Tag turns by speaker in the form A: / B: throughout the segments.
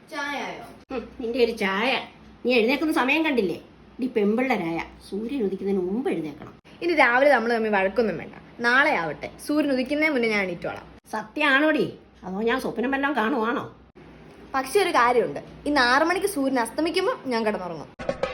A: ചായയോ?
B: നിന്റെ ഒരു ചായ. നീ എഴുന്നേക്കുന്ന സമയം കണ്ടില്ലേ? നീ പെമ്പിള്ളരായ സൂര്യൻ ഉദിക്കുന്നതിന് മുമ്പ് എഴുന്നേക്കണം.
A: ഇനി രാവിലെ നമ്മൾ തമ്മിൽ വഴക്കൊന്നും വേണ്ട. നാളെ ആവട്ടെ, സൂര്യൻ ഉദിക്കുന്നതിന് മുന്നേ ഞാൻ എണീറ്റോളാം.
B: സത്യമാണോടി? അതോ ഞാൻ സ്വപ്നം വല്ലതും കാണുവാണോ?
A: പക്ഷെ ഒരു കാര്യമുണ്ട്, ഇന്ന് 6 മണിക്ക് സൂര്യൻ അസ്തമിക്കുമ്പോൾ ഞാൻ കിടന്നുറങ്ങും.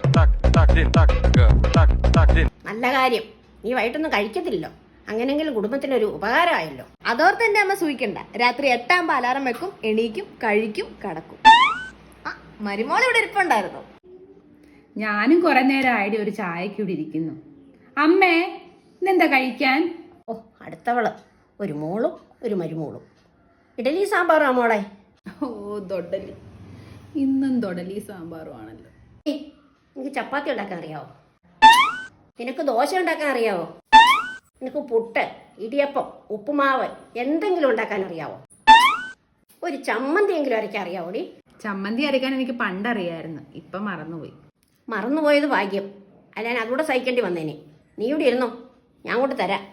B: നല്ല കാര്യം. നീ വൈകിട്ടൊന്നും കഴിക്കത്തില്ലല്ലോ. അങ്ങനെങ്കിലും കുടുംബത്തിനൊരു ഉപകാരമായല്ലോ.
A: അതോർത്ത് എന്റെ അമ്മ സൂഹിക്കണ്ട. രാത്രി 8 ആകുമ്പോൾ അലാറം വെക്കും, എണീക്കും, കഴിക്കും, കടക്കും. ആ മരുമോൾ ഇവിടെ ഇരിപ്പുണ്ടായിരുന്നു.
C: ഞാനും കുറെ നേരമായിട്ട് ഒരു ചായക്ക് ഇവിടെ ഇരിക്കുന്നു. അമ്മേ, ഇന്നെന്താ കഴിക്കാൻ?
B: ഓ, അടുത്തവള് ഒരു മോളും ഒരു മരുമോളും. ഇഡലി സാമ്പാറാ മോളെ.
C: ഓ, ദൊഡലി. ഇന്നും ദൊഡലി സാമ്പാറും ആണല്ലോ.
B: നിനക്ക് ചപ്പാത്തി ഉണ്ടാക്കാൻ അറിയാവോ? നിനക്ക് ദോശ ഉണ്ടാക്കാൻ അറിയാവോ? നിനക്ക് പുട്ട്, ഇടിയപ്പം, ഉപ്പുമാവ് എന്തെങ്കിലും ഉണ്ടാക്കാൻ അറിയാവോ? ഒരു ചമ്മന്തി എങ്കിലും അരയ്ക്കാൻ അറിയാവോടി?
C: ചമ്മന്തി അരയ്ക്കാൻ എനിക്ക് പണ്ടറിയായിരുന്നു, ഇപ്പൊ മറന്നുപോയി.
B: മറന്നുപോയത് ഭാഗ്യം. അല്ല, ഞാൻ അതുകൂടെ സഹിക്കേണ്ടി വന്നേനെ. നീ ഇവിടെ ഇരുന്നോ, ഞാൻ കൊണ്ട് തരാം.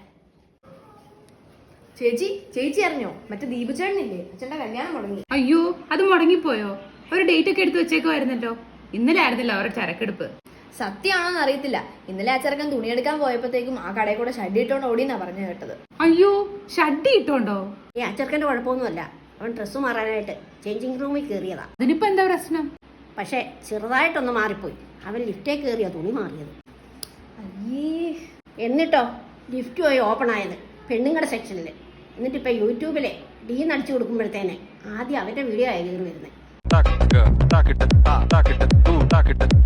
A: ചേച്ചി അറിഞ്ഞോ? മറ്റേ ദീപചേട്ടനില്ലേ, അച്ഛന്റെ കല്യാണം മുടങ്ങി.
C: അയ്യോ, അത് മുടങ്ങിപ്പോയോ? ഒരു ഡേറ്റ് ഒക്കെ എടുത്ത് വെച്ചേക്കുമായിരുന്നല്ലോ. ഇന്നലെ ആയിരുന്നില്ല അവരുടെ ചരക്കെടുപ്പ്.
A: സത്യമാണോന്ന് അറിയത്തില്ല. ഇന്നലെ ആ ചെറുക്കൻ തുണിയെടുക്കാൻ പോയപ്പോഴത്തേക്കും ആ കടയിൽ കൂടെ ഷഡ് ഇട്ടോണ്ട് ഓടിയെന്നാ പറഞ്ഞു കേട്ടത്.
C: അയ്യോ, ഷഡ്ഡി ഇട്ടോണ്ടോ?
B: ഈ അച്ചർക്കൻ്റെ കുഴപ്പമൊന്നുമല്ല. അവൻ ഡ്രസ്സ് മാറാനായിട്ട് ചേഞ്ചിങ് റൂമിൽ കയറിയതാ.
C: അതിനിപ്പോ എന്താ പ്രശ്നം?
B: പക്ഷെ ചെറുതായിട്ടൊന്ന് മാറിപ്പോയി. അവൻ ലിഫ്റ്റേ കയറിയാ തുണി മാറിയത്.
A: അയ്യേ.
B: എന്നിട്ടോ ലിഫ്റ്റ് പോയി ഓപ്പൺ ആയത് പെണ്ണുങ്ങളുടെ സെക്ഷനിൽ. എന്നിട്ടിപ്പോൾ യൂട്യൂബിലെ നടിച്ചു കൊടുക്കുമ്പോഴത്തേനെ ആദ്യം അവൻ്റെ വീഡിയോ ആയി കയറി വരുന്നത്.